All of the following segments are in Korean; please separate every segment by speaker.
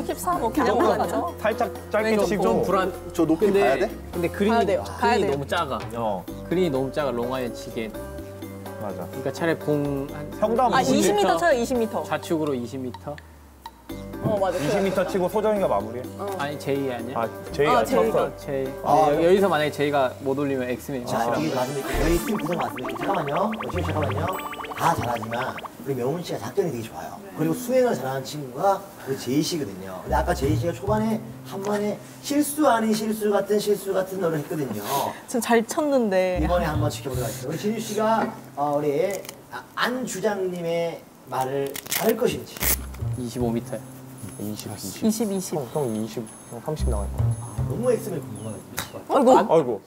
Speaker 1: 14 뭐 그냥 가죠.
Speaker 2: 살짝 짧게 치고.
Speaker 3: 좀 불안.
Speaker 4: 저 높이 가야 돼?
Speaker 3: 근데 그린이
Speaker 1: 가야 돼요.
Speaker 3: 너무 작아. 그린이 너무 작아 롱아이언 치기엔.
Speaker 2: 맞아.
Speaker 3: 그러니까 차라리 공 한
Speaker 2: 형도
Speaker 1: 20m 쳐요, 20m.
Speaker 3: 좌측으로 20m.
Speaker 1: 맞아.
Speaker 2: 20m 치고 소정이가 마무리해.
Speaker 3: 아니 제이 아니야?
Speaker 2: 제이가 쳤어.
Speaker 3: 제이. 여기서 만약에 제이가 못 올리면 엑스맨.
Speaker 5: 자, 이게 맞습니까? 저희 팀 구성 맞습니까? 잠깐만요. 잠깐만요. 다 잘하지만 우리 명훈 씨가 작전이 되게 좋아요. 그리고 수행을 잘하는 친구가 우리 제이 씨거든요. 근데 아까 제이 씨가 초반에 한 번에 실수 아닌 실수 같은 노래를 했거든요.
Speaker 1: 전 잘 쳤는데.
Speaker 5: 이번에 한번 지켜보도록 하겠습니다. 우리 진유 씨가 우리 안 주장님의 말을 잘할 것인지.
Speaker 3: 25m야.
Speaker 2: 20.
Speaker 1: 20.
Speaker 2: 형 20, 형 30 나갈 거야.
Speaker 5: 너무 X면 궁금하거든요.
Speaker 1: 아이고.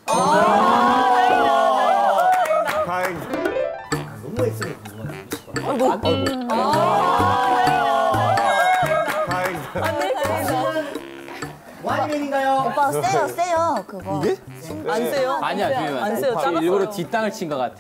Speaker 2: 다행이다.
Speaker 5: 너무 X면 궁금하거든요.
Speaker 2: 다행이다.
Speaker 5: 와이맨인가요?
Speaker 6: 오빠 세요 그거.
Speaker 4: 이게?
Speaker 1: 안 세요?
Speaker 3: 아니야 주면
Speaker 1: 안 세요. 작았어요.
Speaker 3: 일부러 뒷땅을 친 것 같아.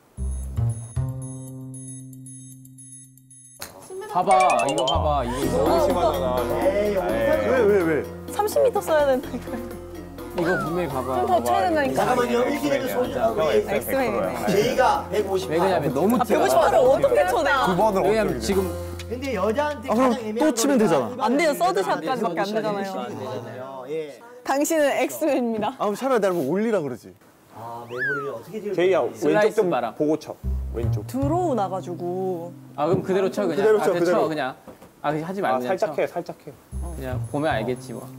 Speaker 3: 봐봐 이거 봐봐 이거
Speaker 2: 너무 심하잖아.
Speaker 5: 에이,
Speaker 4: 왜?
Speaker 1: 30m 써야 된다니까.
Speaker 3: 이거 분명히 봐봐.
Speaker 1: 더 쳐야 된다니까.
Speaker 5: 잠깐만요. 이렇게 되면 소중.
Speaker 1: 엑스맨이네.
Speaker 5: 제이가 150.
Speaker 3: 왜 그러냐면 너무 뛰어.
Speaker 1: 150%를 어떻게 쳐 내가?
Speaker 2: 9번을
Speaker 3: 왜냐면 지금
Speaker 5: 근데 여자한테 가장 애매한
Speaker 4: 또 치면 되잖아.
Speaker 1: 안 돼요. 서드샷까지밖에 안 되잖아요.
Speaker 5: 되잖아요. 예.
Speaker 1: 당신은 엑스맨입니다.
Speaker 4: 차라리 나를 뭐 올리라 그러지.
Speaker 5: 메모리를 어떻게 지을
Speaker 2: 제이야
Speaker 5: 건지.
Speaker 2: 왼쪽
Speaker 3: 슬라이스
Speaker 2: 좀
Speaker 3: 봐라.
Speaker 2: 보고 쳐. 왼쪽.
Speaker 1: 드로우 나가지고.
Speaker 3: 아 그럼 그대로 쳐 그냥.
Speaker 4: 그대로 쳐, 그대로.
Speaker 3: 쳐 그냥. 그냥 하지 말고 그냥
Speaker 2: 살짝
Speaker 3: 쳐.
Speaker 2: 해, 살짝 해.
Speaker 3: 그냥 보면 알겠지 뭐.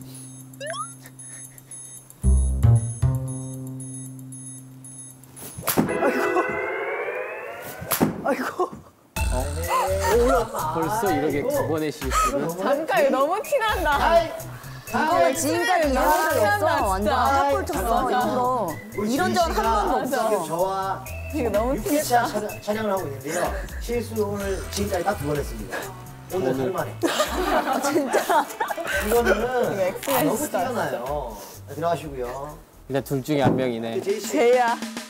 Speaker 1: 아이고.
Speaker 3: 벌써 이렇게 두 번의 실수를.
Speaker 1: 잠깐 이거 너무 티난다.
Speaker 6: 이거는 지금까지 이런 적이 없어. 완전 탑볼 쳤어. 일부러. 이런 적은 한 번도
Speaker 5: 지금
Speaker 6: 없어.
Speaker 5: 저와
Speaker 1: 이거 너무
Speaker 5: 6회차 촬영을 하고 있는데요. 실수 오늘 지금까지 딱 2번 했습니다. 오늘 할 만에.
Speaker 1: 진짜.
Speaker 5: 이거는
Speaker 1: 엑스맨
Speaker 5: 너무
Speaker 1: 진짜.
Speaker 5: 뛰어나요. 들어가시고요.
Speaker 3: 일단 둘 중에 한 명이네.
Speaker 5: 제이 씨.
Speaker 1: 제이야.